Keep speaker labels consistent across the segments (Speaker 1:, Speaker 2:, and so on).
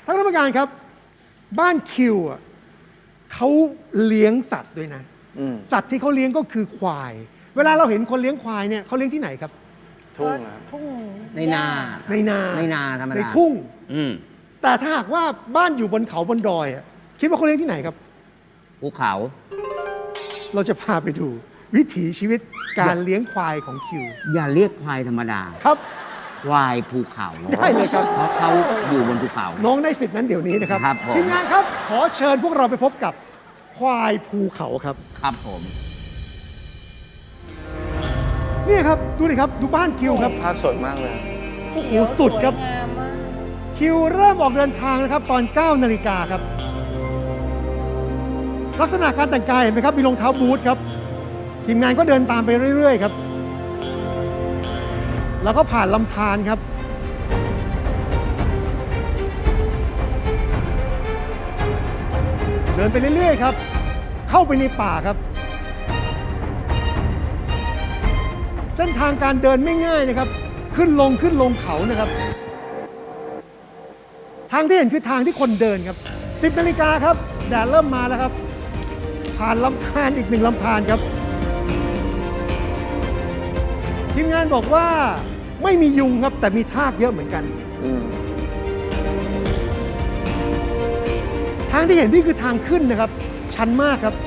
Speaker 1: ท่านกรรมการครับบ้านคิวอ่ะเขาเลี้ยงสัตว์ด้วยนะสัตว์ที่เขาเลี้ยงก็คือควายเวลาเราเห็นคนเลี้ยงควายเนี่ยเขาเลี้ยงที่ไหนครับ
Speaker 2: ทุ่ง
Speaker 3: ทุ่ง
Speaker 1: ในนา
Speaker 2: ธรรมดา
Speaker 1: ในทุ่งแต่ถ้าหากว่าบ้านอยู่บนเขาบนดอยอ่ะคิดว่าเขาเลี้ยงที่ไหนครับ
Speaker 2: ภูเขา
Speaker 1: เราจะพาไปดูวิถีชีวิตการเลี้ยงควายของคิว
Speaker 2: อย่าเรียกควายธรรมดา
Speaker 1: ครับ
Speaker 2: ควายภูเขา
Speaker 1: ได้เลยครับ
Speaker 2: เพราะเขาอยู่บนภูเขา
Speaker 1: น้องได้สิทธินั้นเดี๋ยวนี้นะครับทีมงานครับขอเชิญพวกเราไปพบกับควายภูเขาครับ
Speaker 2: ครับผม
Speaker 1: นี่ครับดูดิครับดูบ้านคิวครับ
Speaker 4: ภาพสดมากเลย
Speaker 1: โอ้โหสุดครับคิวเริ่มออกเดินทางนะครับตอน 9 นาฬิกาครับลักษณะการแต่งกายเห็นไหมครับมีรองเท้าบูทครับทีมงานก็เดินตามไปเรื่อยๆครับแล้วก็ผ่านลำธารครับเดินไปเรื่อยๆครับเข้าไปในป่าครับเส้นทางการเดินไม่ง่ายนะครับขึ้นลงเขานะครับทางที่เห็นคือทางที่คนเดินครับ10 นาฬิกาครับแดดเริ่มมาแล้วครับผ่านลำธารอีก1 ลำธารครับทีมงานบอกว่าไม่มียุงครับแต่มีทากเยอะเหมือนกันทางที่เห็นนี่คือทางขึ้นนะครับชันมากครับ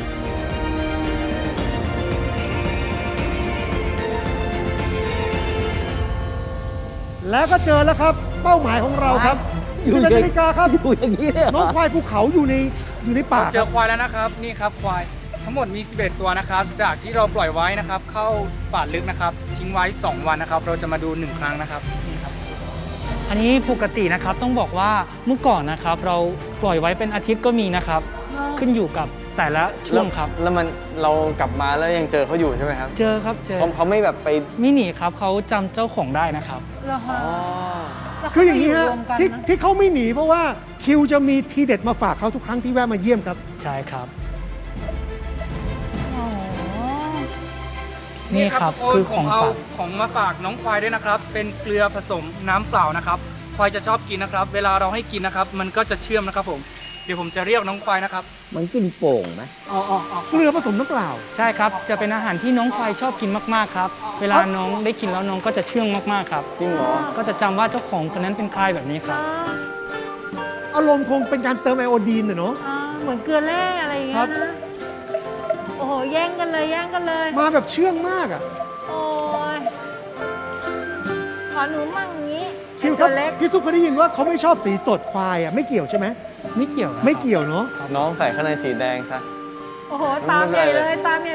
Speaker 1: แล้วก็เจอแล้วครับเป้าหมายของเราครับอยู่ในนาฬิกาครับ
Speaker 2: อยู่อย่างนี้เลย
Speaker 1: น้องควายภูเขาอยู่ในป่า
Speaker 5: เจอควายแล้วนะครับนี่ครับควายทั้งหมดมี11 ตัวนะครับจากที่เราปล่อยไว้นะครับเข้าป่าลึกนะครับทิ้งไว้2 วันนะครับเราจะมาดู1 ครั้งนะครับนี่ครับ
Speaker 6: อันนี้ปกตินะครับต้องบอกว่าเมื่อก่อนนะครับเราปล่อยไว้เป็นอาทิตย์ก็มีนะครับขึ้นอยู่กับแต่ละช่วงครับ
Speaker 4: แล้วเรากลับมาแล้วยังเจอเขาอยู่ใช่ไหมครับ
Speaker 6: เจอครับเจอ
Speaker 4: เขาไม่แบบไป
Speaker 6: ไม่หนีครับเขาจำเจ้าของได้นะครับ
Speaker 1: คืออย่างนี้ฮะที่เขาไม่หนีเพราะว่าคิวจะมีทีเด็ดมาฝากเขาทุกครั้งที่แวะมาเยี่ยมครับ
Speaker 6: ใช่ครับนี่ครับคือ
Speaker 5: ของมาฝากน้องควายด้วยนะครับเป็นเกลือผสมน้ำเปล่านะครับควายจะชอบกินนะครับเวลาเราให้กินนะครับมันก็จะเชื่อมนะครับผมเดี๋ยวผมจะเรียกน้องควายนะครับ
Speaker 2: มันกินโป่งไหม
Speaker 1: เกลือผสมน้ำเปล่า
Speaker 6: ใช่ครับจะเป็นอาหารที่น้องควายชอบกินมากๆครับเวลาน้องได้กินแล้วน้องก็จะเชื่องมากๆครับ
Speaker 4: จริงเหรอ
Speaker 6: ก็จะจำว่าเจ้าของคนนั้นเป็นใครแบบนี้ครับ
Speaker 1: อารมณ์คงเป็นการเติมไอโอดีนเนาะ
Speaker 3: เหมือนเกลือแร่อะไรอย่างเงี้ยนะโอ้โหแย่งกันเลย
Speaker 1: มาแบบเชื่องมากอ่ะ
Speaker 3: โอ้ยขอหนูมั่งอย่างนี้
Speaker 1: คิวครับพี่ซุปเคยได้ยินว่าเขาไม่ชอบสีสดควายอ่ะไม่เกี่ยวใช่ไหม
Speaker 6: ไม่เกี่ยว
Speaker 1: เนาะ
Speaker 4: น้องใส่ข้างในสีแดงซะ
Speaker 3: โอ้โหตามใหญ่เลย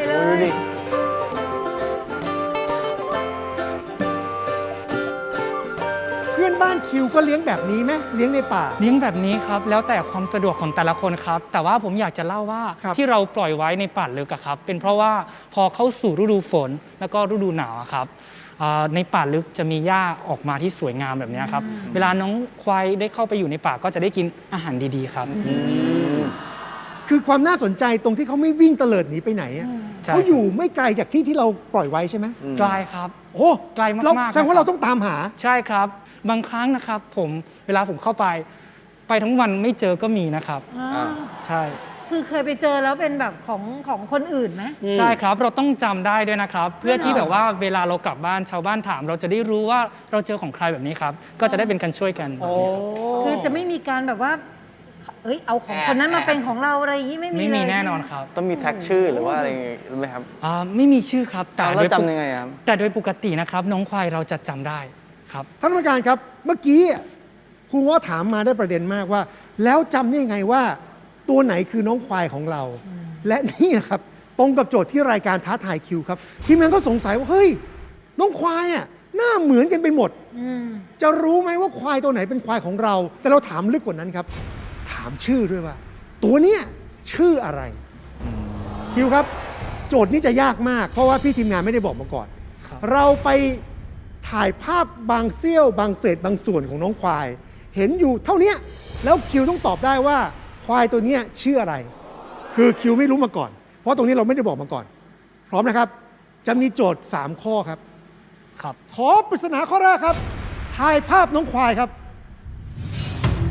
Speaker 1: เพื่อนบ้านคิวก็เลี้ยงแบบนี้ไหมเลี้ยงในป่า
Speaker 6: เลี้ยงแบบนี้ครับแล้วแต่ความสะดวกของแต่ละคนครับแต่ว่าผมอยากจะเล่าว่าที่เราปล่อยไว้ในป่าลึกครับเป็นเพราะว่าพอเข้าสู่ฤดูฝนแล้วก็ฤดูหนาวครับในป่าลึกจะมีหญ้าออกมาที่สวยงามแบบนี้ครับเวลาน้องควายได้เข้าไปอยู่ในป่าก็จะได้กินอาหารดีๆครับ
Speaker 1: คือความน่าสนใจตรงที่เขาไม่วิ่งเตลิดหนีไปไหนเขาอยู่ไม่ไกลจากที่เราปล่อยไว้ใช่ไหม
Speaker 6: ไกลครับ
Speaker 1: โอ้
Speaker 6: ไกลมากๆ
Speaker 1: แสดงว่าเราต้องตามหา
Speaker 6: ใช่ครับบางครั้งนะครับเวลาผมเข้าไปทั้งวันไม่เจอก็มีนะครับใช่
Speaker 3: คือเคยไปเจอแล้วเป็นแบบของคนอื่นไหม
Speaker 6: ใช่ครับเราต้องจำได้ด้วยนะครับเพื่อที่แบบว่าเวลาเรากลับบ้านชาวบ้านถามเราจะได้รู้ว่าเราเจอของใครแบบนี้ครับก็จะได้เป็นการช่วยกัน
Speaker 3: คือจะไม่มีการแบบว่าเอาของคนนั้นมาเป็นของเราอะไรอย่างนี้ไม่มี
Speaker 6: แน่นอนครับ
Speaker 4: ต้องมีแท็กชื่อหรือว่าอะไรไหมครับ
Speaker 6: ไม่มีชื่อครับ
Speaker 4: แต่เราจำยังไงครับ
Speaker 6: แต่โดยปกตินะครับน้องควายเราจะจำได้ครับ
Speaker 1: ท่านผู้การครับเมื่อกี้ครูง้อถามมาได้ประเด็นมากว่าแล้วจำได้ยังไงว่าตัวไหนคือน้องควายของเราและนี่นะครับตรงกับโจทย์ที่รายการท้าทายคิวครับทีมงานก็สงสัยว่าเฮ้ยน้องควายอ่ะหน้าเหมือนกันไปหมดจะรู้ไหมว่าควายตัวไหนเป็นควายของเราแต่เราถามลึกกว่านั้นครับถามชื่อด้วยว่าตัวเนี้ยชื่ออะไรคิวครับโจทย์นี้จะยากมากเพราะว่าพี่ทีมงานไม่ได้บอกมาก่อนเราไปถ่ายภาพบางเสี้ยวบางเศษบางส่วนของน้องควายเห็นอยู่เท่านี้แล้วคิวต้องตอบได้ว่าควายตัวนี้ชื่ออะไรคือคิวไม่รู้มาก่อนเพราะตรงนี้เราไม่ได้บอกมาก่อนพร้อมนะครับจะมีโจทย์3ข้อครับขอปริศนาข้อแรกครับถ่ายภาพน้องควายครับ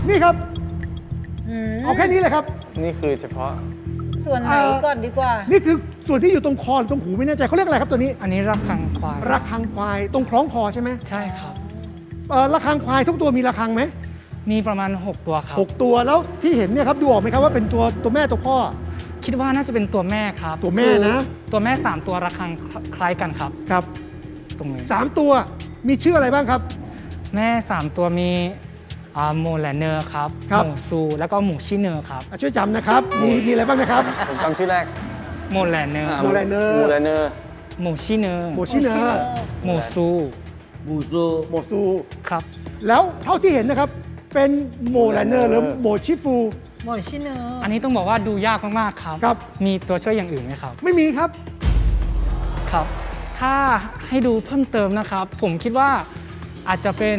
Speaker 1: นี่ครับ
Speaker 3: อืม
Speaker 1: เอาแค่นี้เลยครับ
Speaker 4: นี่คือเฉพาะ
Speaker 3: ส่วนไหนก่อนดีกว่า
Speaker 1: นี่คือส่วนที่อยู่ตรงคอหรือตรงหูไม่แน่ใจเขาเรียกอะไรครับตัวนี้
Speaker 6: อันนี้ระฆังควาย
Speaker 1: ระฆังควายตรงคล้องคอใช่ไหม
Speaker 6: ใช่ครับ
Speaker 1: ระฆังควายทุกตัวมีระฆังไหม
Speaker 6: มีประมาณ 6 ตัวครับ
Speaker 1: 6 ตัวแล้วที่เห็นเนี่ยครับดูออกไหมครับว่าเป็นตัวแม่ตัวพ่อ
Speaker 6: คิดว่าน่าจะเป็นตัวแม่ครับ
Speaker 1: ตัวแม่นะ
Speaker 6: ตัวแม่ 3 ตัวระฆังคล้ายกันครับ
Speaker 1: ครับ
Speaker 6: ตรงนี้
Speaker 1: 3 ตัวมีชื่ออะไรบ้างครับ
Speaker 6: แม่ 3 ตัวมีโมแลเนอร์ครับ
Speaker 1: ครับ
Speaker 6: หมูซู แล้วก็หมูชิเนอร์ครับ
Speaker 1: ช่วยจำนะครับมีอะไรบ้างนะครับ
Speaker 4: ผมจำชื่อแรก
Speaker 6: โมแลเนอร์
Speaker 1: โมแลเนอร์
Speaker 4: โมแลเนอร์
Speaker 6: หมูชิเนอร์
Speaker 1: โมชิเนอร์
Speaker 6: หมูซู
Speaker 2: บูซู
Speaker 1: โมซู
Speaker 6: ครับ
Speaker 1: แล้วเท่าที่เห็นนะครับเป็นโมแลเนอร์หรือโมชิฟู
Speaker 3: หมดชิเนอร์
Speaker 6: อันนี้ต้องบอกว่าดูยากมากๆครับ
Speaker 1: ครับ
Speaker 6: มีตัวช่วยอย่างอื่นไหมครับ
Speaker 1: ไม่มีครับ
Speaker 6: ครับ ถ้าให้ดูเพิ่มเติมนะครับ ผมคิดว่าอาจจะเป็น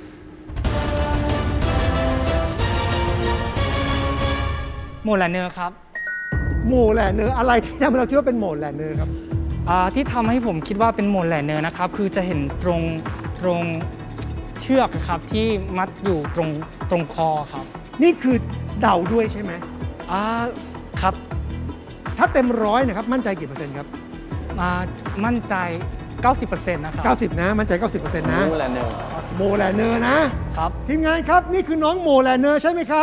Speaker 6: โมแลเนอร์ครับ
Speaker 1: โมแลเนอร์อะไรที่ทำให้เราคิดว่าเป็นโมแลเนอร์ครับ
Speaker 6: ที่ทำให้ผมคิดว่าเป็นโมแลเนอร์นะครับ คือจะเห็นตรงเชือกครับที่มัดอยู่ตรงคอครับ
Speaker 1: นี่คือเดาด้วยใช่ไหม
Speaker 6: ครับ
Speaker 1: ถ้าเต็มร้อยนะครับมั่นใจกี่เปอร์เซ็นต์ครับ
Speaker 6: มั่นใจ 90%นะครับ
Speaker 1: 90 นะ มั่นใจ 90%นะ
Speaker 4: โมแลเนอร์
Speaker 1: โมแลเนอร์นะครับ ทีมงานครับนี่คือน้องโมแลเนอร์ใช่ไหมครับ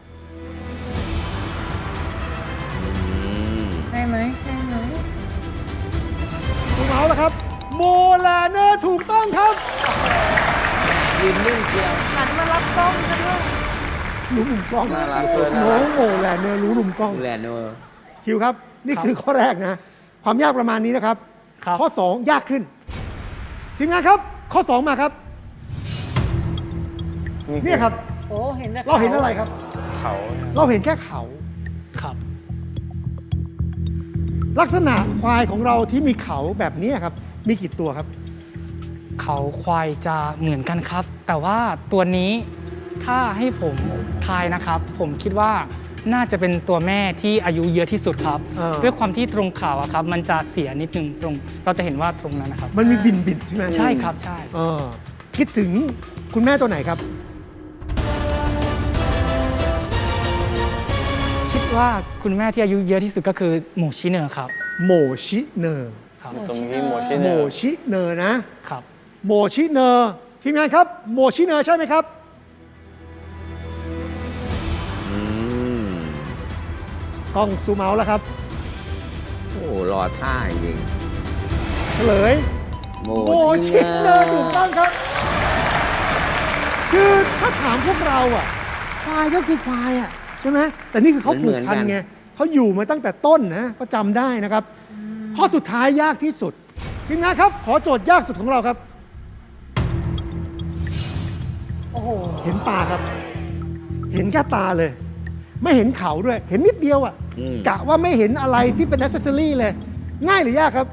Speaker 3: ใช่ไหมใช่ไหม
Speaker 1: ถูกเอาแล้วครับโมแลเนอร์ถูกต้องครับ
Speaker 2: ยืนนิ่งเชียว
Speaker 3: หันมารับกล้องกันด้วย
Speaker 1: รู้มุมกล้อง
Speaker 4: น่ารักเกิน
Speaker 1: น้องโมแลเนอร์รู้มุมกล้อง
Speaker 2: ดูแลเนอร์
Speaker 1: คิวครับ นี่คือข้อแรกนะ ความยากประมาณนี้นะครับ
Speaker 6: ครับ
Speaker 1: ข้อ 2 ยากขึ้น ทีมงานครับ ข้อ 2 มาครับ เนี่ยครับ
Speaker 3: โอ้เห็นแต่
Speaker 1: เราเห็นอะไรครับ
Speaker 4: เขา
Speaker 1: เราเห็นแค่เขา
Speaker 6: ครับ
Speaker 1: ลักษณะควายของเราที่มีเขาแบบนี้ครับ มีกี่ตัวครับ
Speaker 6: เขาควายจะเหมือนกันครับ แต่ว่าตัวนี้ถ้าให้ผมทายนะครับ ผมคิดว่าน่าจะเป็นตัวแม่ที่อายุเยอะที่สุดครับ ด้วยความที่ตรงเขาอะครับ มันจะเสียนิดนึงตรง เราจะเห็นว่าตรงนั้นนะครับ
Speaker 1: มันมีบินใช่ไหม
Speaker 6: ใช่ครับใช่
Speaker 1: คิดถึงคุณแม่ตัวไหนครับ
Speaker 6: คิดว่าคุณแม่ที่อายุเยอะที่สุดก็คือหมูชิเนอร์ครับ
Speaker 1: โมชิเนอร์
Speaker 6: ครับ
Speaker 4: ตรงนี้โมชิ
Speaker 1: โม
Speaker 4: เนอร์
Speaker 1: ชิเนอร์นะ
Speaker 6: ครับ
Speaker 1: โมชิเนอร์ทีมงานครับโมชิเนอร์ใช่ไหมครับ
Speaker 2: อืม
Speaker 1: กล้องซูมเอาแล้วครับ
Speaker 2: โอ้รอท่าจริง
Speaker 1: เฉลย
Speaker 2: โม
Speaker 1: โมชิเนอร์ถูกต้องครับ คือถ้าถามพวกเราอ่ะควายก็คือควายอ่ะใช่ไหมแต่นี่คือเขาผูกพันไงเขาอยู่มาตั้งแต่ต้นนะก็จำได้นะครับ ข้อสุดท้ายยากที่สุดทีมงานครับ ขอโจทย์ยากสุดของเราครับ
Speaker 3: โอ้โห
Speaker 1: เห็นตาครับ เห็นแค่ตาเลย ไม่เห็นเขาด้วย เห็นนิดเดียวอ่ะ
Speaker 2: อืม
Speaker 1: กะว่าไม่เห็นอะไรที่เป็นอ c เซสซอรี่เลย ง่ายหรือยากครับ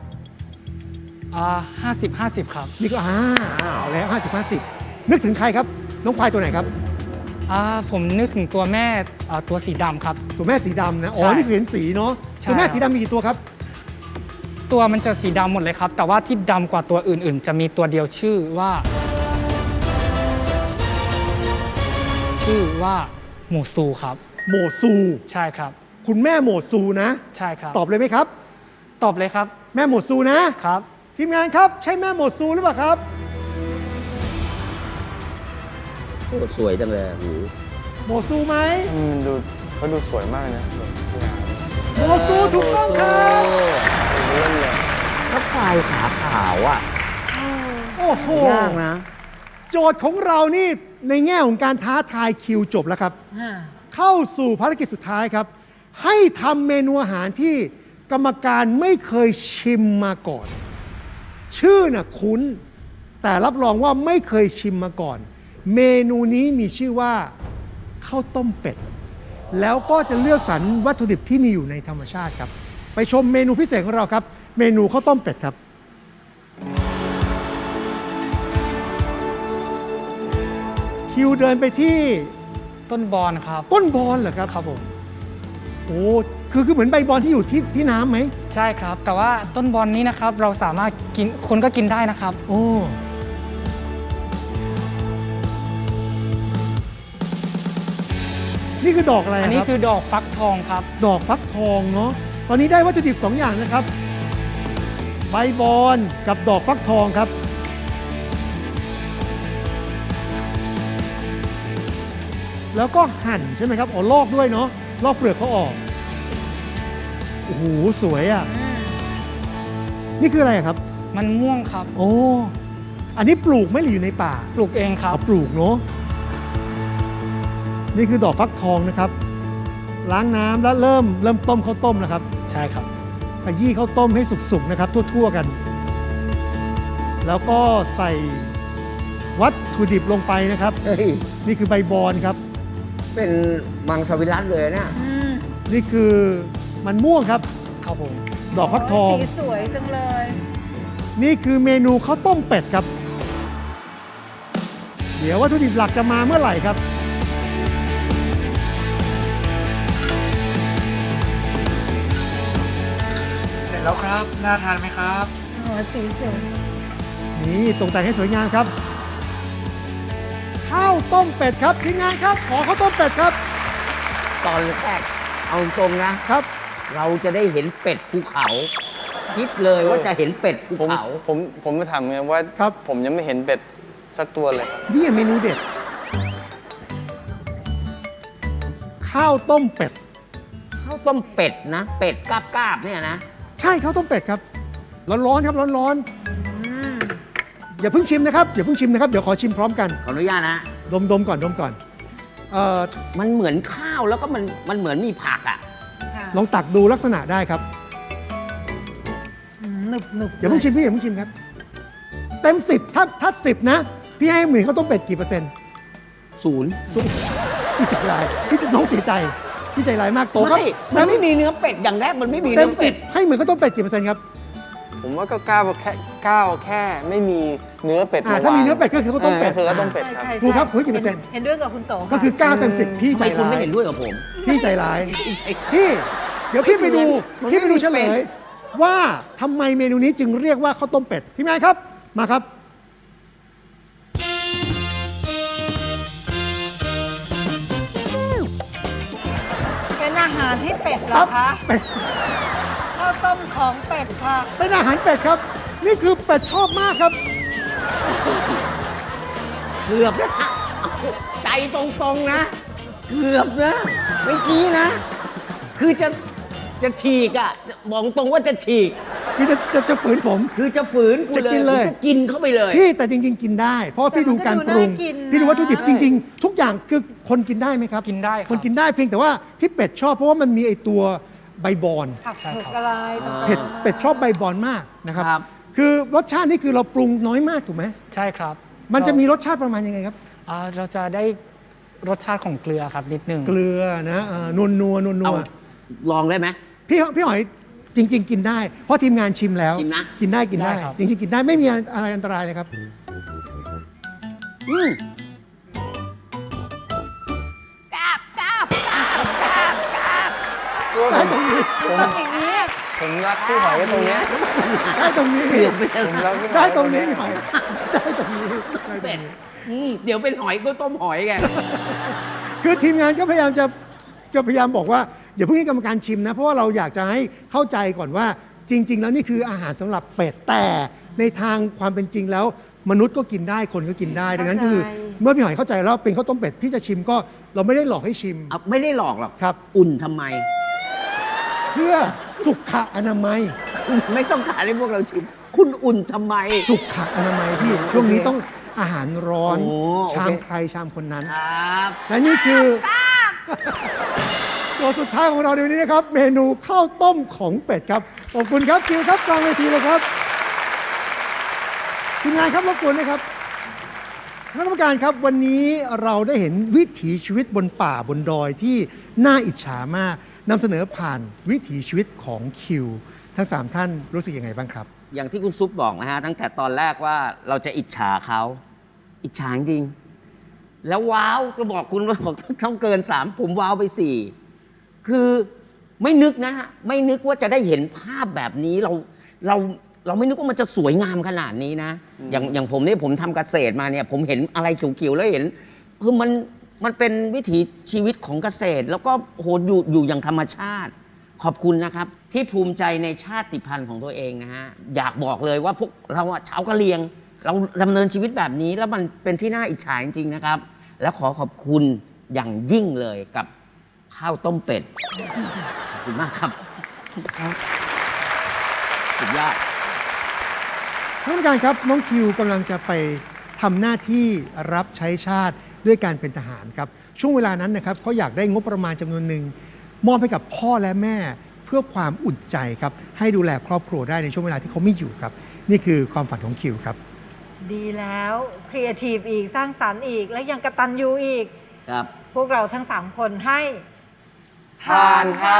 Speaker 6: 50-50 ครับ
Speaker 1: นี่ก็เอาแล้ว 50-50 นึกถึงใครครับ น้องควายตัวไหนครับ
Speaker 6: ผมนึกถึงตัวแม่ตัวสีดำครับ
Speaker 1: ตัวแม่สีดำนะ อ๋อ
Speaker 6: ใช่
Speaker 1: นี่คือเห็นสีเนาะ
Speaker 6: ใช่
Speaker 1: ตัวแม่สีดำมีกี่ตัวครับ
Speaker 6: ตัวมันจะสีดำหมดเลยครับ แต่ว่าที่ดำกว่าตัวอื่นๆ จะมีตัวเดียวชื่อว่าหมูซูครับ
Speaker 1: โมซู
Speaker 6: ใช่ครับ
Speaker 1: คุณแม่โมซูนะ
Speaker 6: ใช่ครับ
Speaker 1: ตอบเลยไหมครับ
Speaker 6: ตอบเลยครับ
Speaker 1: แม่โมซูนะ
Speaker 6: ครับ
Speaker 1: ทีมงานครับ ใช่แม่โมซูหรือเปล่าครับ
Speaker 2: โอ้สวยจังเลยหู
Speaker 1: โมซูไหม
Speaker 4: มันดูเขาดูสวยมากเลยนะแบบงาม
Speaker 1: โมซูถูกต้องครับ
Speaker 4: เล่นเลย
Speaker 2: ถ้าควายขาขาวอ่ะ
Speaker 1: โอ้โห
Speaker 2: ยากนะ
Speaker 1: โจทย์ของเรานี่ในแง่ของการท้าทายคิวจบแล้วครับ เข้าสู่ภารกิจสุดท้ายครับ ให้ทำเมนูอาหารที่กรรมการไม่เคยชิมมาก่อน ชื่อน่ะคุ้น แต่รับรองว่าไม่เคยชิมมาก่อน เมนูนี้มีชื่อว่าข้าวต้มเป็ด แล้วก็จะเลือกสรรวัตถุดิบที่มีอยู่ในธรรมชาติครับ ไปชมเมนูพิเศษของเราครับ เมนูข้าวต้มเป็ดครับ คิวเดินไปที่
Speaker 6: ต้นบอนครับ
Speaker 1: ต้นบอนเหรอครับ
Speaker 6: ครับผม
Speaker 1: โอ้คือเหมือนใบบอนที่อยู่ที่น้ำไหม
Speaker 6: ใช่ครับ แต่ว่าต้นบอนนี้นะครับ เราสามารถกินคนก็กินได้นะครับ
Speaker 1: โอ้นี่คือดอกอะไร
Speaker 6: อัน
Speaker 1: ค
Speaker 6: นี้
Speaker 1: รับ
Speaker 6: คือดอกฟักทองครับ
Speaker 1: ดอกฟักทองเนาะตอนนี้ได้วัตถุดิบ 2 อย่างนะครับ ใบบอนกับดอกฟักทองครับ แล้วก็หั่นใช่ไหมครับอ๋อลอกด้วยเนาะลอกเปลือกเขาออกโอ้โหสวยอ่ะนี่คืออะไรครับ
Speaker 6: มันม่วงครับ
Speaker 1: โอ้อันนี้ปลูกไหม่หรืออยู่ในป่า
Speaker 6: ปลูกเองครับ
Speaker 1: เอาปลูกเนาะนี่คือดอกฟักทองนะครับ ล้างน้ำแล้วเริ่มต้มข้าวต้มนะครับ
Speaker 6: ใช่ครับ
Speaker 1: ขยี้ข้าวต้มให้สุกๆนะครับ ทั่วๆกัน แล้วก็ใส่วัตถุดิบลงไปนะครับ
Speaker 2: เฮ้ย
Speaker 1: นี่คือใบบอนครับ
Speaker 2: เป็นมังสวิรัตเลยเนี่ย
Speaker 3: อืม
Speaker 1: นี่คือมันม่วงครับ
Speaker 6: ครับผม
Speaker 1: ดอกฟักทอง
Speaker 3: สีสวยจังเลย
Speaker 1: นี่คือเมนูข้าวต้มเป็ดครับ เดี๋ยววัตถุดิบหลักจะมาเมื่อไหร่ครับ
Speaker 5: เสร็จแล้วครับ น่าทานไหมครับ
Speaker 3: หัวสีสวย
Speaker 1: นี่ตกแต่งให้สวยงามครับ ข้าวต้มเป็ดครับทีมงานครับ ขอข้าวต้มเป็ดครับ
Speaker 2: ตอนแรกเอาตรงนะ
Speaker 1: ครับ
Speaker 2: เราจะได้เห็นเป็ดภูเขา คิดเลยว่าจะเห็นเป็ดภู
Speaker 4: ผม
Speaker 2: เขา
Speaker 4: ผมมาถามไงว่า
Speaker 1: ครับ
Speaker 4: ผมยังไม่เห็นเป็ดสักตัวเลยครับ
Speaker 1: นี่เมนูเด็ด ข้าวต้มเป็ด
Speaker 2: ข้าวต้มเป็ดนะ เป็ดกาบๆเนี่ยนะ
Speaker 1: ใช่ข้าวต้มเป็ดครับร้อนๆครับร้อน
Speaker 3: อืม
Speaker 1: ๆอย่าเพิ่งชิมนะครับอย่าเพิ่งชิมนะครับเดี๋ยวขอชิมพร้อมกัน
Speaker 2: ขออนุญาตนะ
Speaker 1: ดมก่อนเอ่อ
Speaker 2: มันเหมือนข้าวแล้วก็มันเหมือนมีผักอ่ะ
Speaker 3: ค่ะ
Speaker 1: ลองตักดูลักษณะได้ครับ
Speaker 3: หนึบหนึบ
Speaker 1: อย่าเพิ่งชิมพี่อย่าเพิ่งชิมครับ เต็ม 10ถ้า10 นะ พี่ให้หมื่นข้าวต้มเป็ดกี่เปอร์เซ็นต์
Speaker 2: ศูนย์
Speaker 1: สู้พี่ใจร้ายพี่จะน้องเสียใจพี่ใจร้ายมากโตครับ
Speaker 2: มันไม่มีเนื้อเป็ดอย่างแรกมันไม่มี
Speaker 1: เต็
Speaker 2: เนื้
Speaker 1: ม
Speaker 2: อเป็ด
Speaker 1: 10ให้หมื่นข้าวต้มเป็ดกี่เปอร์เซ็นต์ครับ
Speaker 4: ผมว่าก็ก้าวแค่ไม่มีเนื้อเป็ด
Speaker 1: ถ้ามีเนื้อเป็ดก็คือข้าวต้มเป็ด
Speaker 4: คือข้าวต้มเป็ดครับ
Speaker 3: ใช่
Speaker 1: ครูครับคุณให้กี่เปอร์เซ็นต์
Speaker 3: เห็นด้วยกับคุณโตค่ะ
Speaker 1: ก็คือ9เต็ม10พี่
Speaker 2: ทำ
Speaker 1: ใจ
Speaker 2: ไมคุณ
Speaker 1: ร้า
Speaker 2: ไม่
Speaker 1: ย
Speaker 2: เห็นด้วยกับผม
Speaker 1: พี่ใจร้าย
Speaker 2: ไอ้
Speaker 1: พี่เดี๋ยวพี่ไปดู
Speaker 2: มันไม่
Speaker 1: พี่ไปดู
Speaker 2: มี
Speaker 1: เฉล
Speaker 2: เป็
Speaker 1: ย
Speaker 2: ด
Speaker 1: ว่าทำไมเมนูนี้จึงเรียกว่าข้าวต้มเป็ดทีมงานครับมาครับ
Speaker 3: เป็นอาหารให้เป็ดเหร
Speaker 1: ครั
Speaker 3: อบ คะ
Speaker 1: เป็ด
Speaker 3: ข้าวต้มของเป็ดค่ะ
Speaker 1: เป็นอาหารเป็ดครับ นี่คือเป็ดชอบมากครับ
Speaker 2: เกือบนะใจตรงๆนะ เกือบนะเมื่อกี้นะ คือจะฉีกอ่ะบอกตรงว่าจะฉีก
Speaker 1: คือจะฝืนผม
Speaker 2: คือจะฝืนกู
Speaker 1: จะ
Speaker 2: เลย
Speaker 1: กินเลย
Speaker 2: กูก็กินเข้าไปเลย
Speaker 1: พี่แต่จริง ๆ กินได้ เพราะว่าพี่ดูการปรุง พี่ดูวัตถุดิบจริง ๆ ทุกอย่างคือคนกินได้ไหมครับ
Speaker 6: กินได้ครับ
Speaker 1: คนกินได้เพียงแต่ว่าที่เป็ดชอบเพราะว่ามันมีไอตัวใบบอน
Speaker 3: ผักเผือกอะไรต่างๆ
Speaker 1: เป็ดชอบใบบอนมากนะครับ
Speaker 2: ครับ
Speaker 1: คือรสชาตินี่คือเราปรุงน้อยมากถูกไหม
Speaker 6: ใช่ครับ
Speaker 1: มันจะมีรสชาติประมาณยังไงครับ
Speaker 6: เราจะได้รสชาติของเกลือครับนิดนึง
Speaker 1: เกลือนะนัว
Speaker 2: เอาลองได้ไหม
Speaker 1: พี่หอยจริง ๆ กินได้ เพราะทีมงานชิมแล้ว
Speaker 2: ชิมนะ
Speaker 1: กินได้
Speaker 6: ได้ครับ
Speaker 1: จริง ๆ กินได้ไม่มีอะไรอันตรายเลยครับ
Speaker 2: อืม
Speaker 1: ได้ตรงนี้
Speaker 3: อย่างนี้
Speaker 4: ผมรักพี่หอยไว้ตรงเนี้ย
Speaker 1: ได้ตรงนี้
Speaker 2: เกือบไปแล้ว
Speaker 4: ผมรักพี่หอย
Speaker 1: ได้
Speaker 4: ว้
Speaker 1: ตรงนี้
Speaker 4: เย
Speaker 1: หอยได้ตรงนี้ได้ตรง
Speaker 2: เป็ด
Speaker 1: นี้
Speaker 2: เดี๋ยวเป็นหอยก็ต้มหอยไง
Speaker 1: คือทีมงานก็พยายามจะพยายามบอกว่าอย่าเพิ่งให้กรรมการชิมนะ เพราะว่าเราอยากจะให้เข้าใจก่อนว่าจริง ๆ แล้วนี่คืออาหารสำหรับเป็ดแต่ในทางความเป็นจริงแล้ว มนุษย์ก็กินได้คนก็กินได้ดังนั้นคือเมื่อพี่หอยเข้าใจแล้วเป็นข้าวต้มเป็ดพี่จะชิมก็เราไม่ได้หลอกให้ชิม
Speaker 2: เอาไม่ได้หลอกหรอก
Speaker 1: ครับ
Speaker 2: อุ่นทำไม
Speaker 1: เพื่อสุขอนามัย
Speaker 2: ไม่ต้องการให้พวกเราชิม คุณอุ่นทำไม
Speaker 1: สุขอนามัยพี่ ช่วงนี้ต้องอาหารร้อน
Speaker 2: โอ้โอเค
Speaker 1: ชามใครชามคนนั้น
Speaker 2: ครับ
Speaker 1: และนี่คือ ตัวสุดท้ายของเราในวันนี้นะครับ เมนูข้าวต้มของเป็ดครับขอบคุณครับคิวครับกลางเวทีเลยครับทีมงานครับรบกวนนะครับคณะกรรมการครับวันนี้เราได้เห็นวิถีชีวิตบนป่าบนดอยที่น่าอิจฉามากนำเสนอผ่านวิถีชีวิตของคิว ทั้ง 3 ท่านรู้สึกยังไงบ้างครับ
Speaker 2: อย่างที่คุณซุปบอกนะฮะตั้งแต่ตอนแรกว่าเราจะอิจฉาเขา อิจฉาจริง แล้วว้าวก็บอกคุณว่าบอกต้องเกิน 3 ผมว้าวไป 4 คือไม่นึกนะฮะไม่นึกว่าจะได้เห็นภาพแบบนี้เราไม่นึกว่ามันจะสวยงามขนาดนี้นะ อย่างผมเนี่ยผมทำเกษตรมาเนี่ย ผมเห็นอะไรเขียวๆแล้วเห็นมันมันเป็นวิถีชีวิตของเกษตร แล้วก็โหอยู่อย่างธรรมชาติ ขอบคุณนะครับ ที่ภูมิใจในชาติพันธุ์ของตัวเองนะฮะ อยากบอกเลยว่าพวกเราอะชาวกะเหรี่ยง เราดำเนินชีวิตแบบนี้ แล้วมันเป็นที่น่าอิจฉาจริงๆนะครับ แล้วขอขอบคุณอย่างยิ่งเลยกับข้าวต้มเป็ด ขอบคุณมากครับสุดยอด
Speaker 1: ท่านผู้การครับน้องคิวกำลังจะไปทำหน้าที่รับใช้ชาติด้วยการเป็นทหารครับช่วงเวลานั้นนะครับเขาอยากได้งบประมาณจำนวนหนึ่งมอบให้กับพ่อและแม่เพื่อความอุ่นใจครับให้ดูแลครอบครัวได้ในช่วงเวลาที่เขาไม่อยู่ครับนี่คือความฝันของคิวครับ
Speaker 3: ดีแล้วครีเอทีฟอีกสร้างสรรค์อีก และยังกตัญญูอีก
Speaker 2: ครับ
Speaker 3: พวกเราทั้ง 3 คนให้
Speaker 4: ทานครับ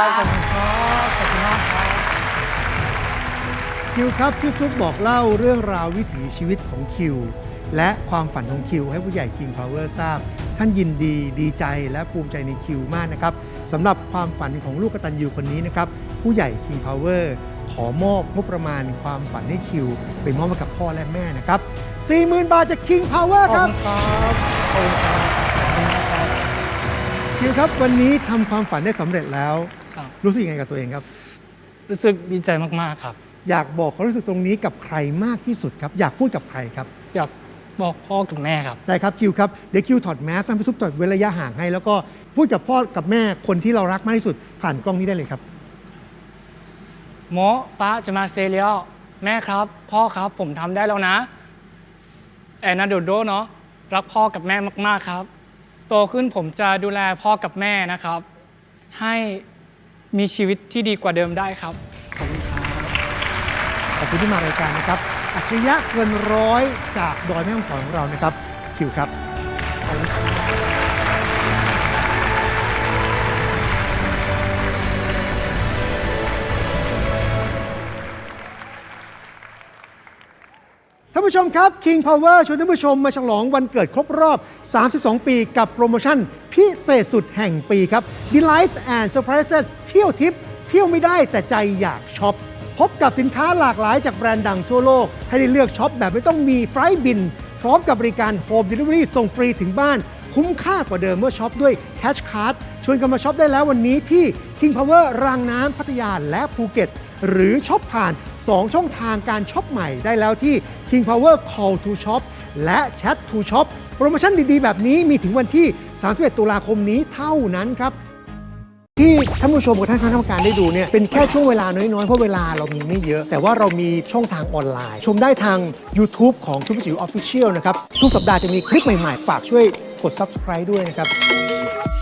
Speaker 1: คิวครับพี่ซุปบอกเล่าเรื่องราววิถีชีวิตของคิวและความฝันของคิวให้ผู้ใหญ่ King Power ทราบ ท่านยินดีใจและภูมิใจในคิวมากนะครับสำหรับความฝันของลูกกตัญญูคนนี้นะครับผู้ใหญ่ King Power ขอมอบงบประมาณความฝันให้คิวไปมอบให้กับพ่อและแม่นะครับ 40,000 บาทจาก King Power ครับ คิวครับวันนี้ทำความฝันได้สำเร็จแล้ว
Speaker 6: ครับ
Speaker 1: รู้สึกยังไงกับตัวเองครับ
Speaker 6: รู้สึกดีใจมากๆครับ
Speaker 1: อยากบอกความรู้สึกตรงนี้กับใครมากที่สุดครับ อยากพูดกับใครครับ
Speaker 6: อยากบอกพ่อกับแม่ครับ
Speaker 1: ได้ครับคิวครับเดี๋ยวคิวถอดแมสให้พี่ซุปถอดเว้นระยะห่างให้ แล้วก็พูดกับพ่อกับแม่คนที่เรารักมากที่สุดผ่านกล้องนี้ได้เลยครับ
Speaker 6: หมอป้าจะมาเซเลียลแม่ครับ พ่อครับผมทำได้แล้วนะ แอนนาโดโดเนาะรักพ่อกับแม่มากๆครับ โตขึ้นผมจะดูแลพ่อกับแม่นะครับ ให้มีชีวิตที่ดีกว่าเดิมได้ครับ ขอบคุณครับ
Speaker 1: ขอบคุณที่มารายการนะครับอัจฉริยะเกินร้อยจากดอยแม่ฮ่องสอนของเรานะครับคิวครับขอบคุณครับท่านผู้ชมครับ King Power ชวนท่านผู้ชมมาฉลองวันเกิดครบรอบ 32 ปีกับโปรโมชั่นพิเศษสุดแห่งปีครับ Delights and Surprises เที่ยวทิปเที่ยวไม่ได้แต่ใจอยากช็อป พบกับสินค้าหลากหลายจากแบรนด์ดังทั่วโลก ให้ได้เลือกช็อปแบบไม่ต้องมีไฟล์บิน พร้อมกับบริการ Home Delivery ส่งฟรีถึงบ้าน คุ้มค่ากว่าเดิมเมื่อช็อปด้วย Cash Card ชวนกันมาช็อปได้แล้ววันนี้ที่ King Power รางน้ำพัทยาและภูเก็ต หรือช็อปผ่าน 2 ช่องทางการช็อปใหม่ได้แล้วที่ King Power Call to Shop และ Chat to Shop โปรโมชั่นดีๆ แบบนี้มีถึงวันที่ 31 ตุลาคมนี้เท่านั้นครับ ที่ท่านผู้ชมกับท่านคณะกรรมการได้ดูเนี่ยเป็นแค่ช่วงเวลาน้อยๆ เพราะเวลาเรามีไม่เยอะ แต่ว่าเรามีช่องทางออนไลน์ ชมได้ทาง YouTube ของทุกจิ๋ว Official นะครับ ทุกสัปดาห์จะมีคลิปใหม่ๆ ฝากช่วยกด Subscribe ด้วยนะครับ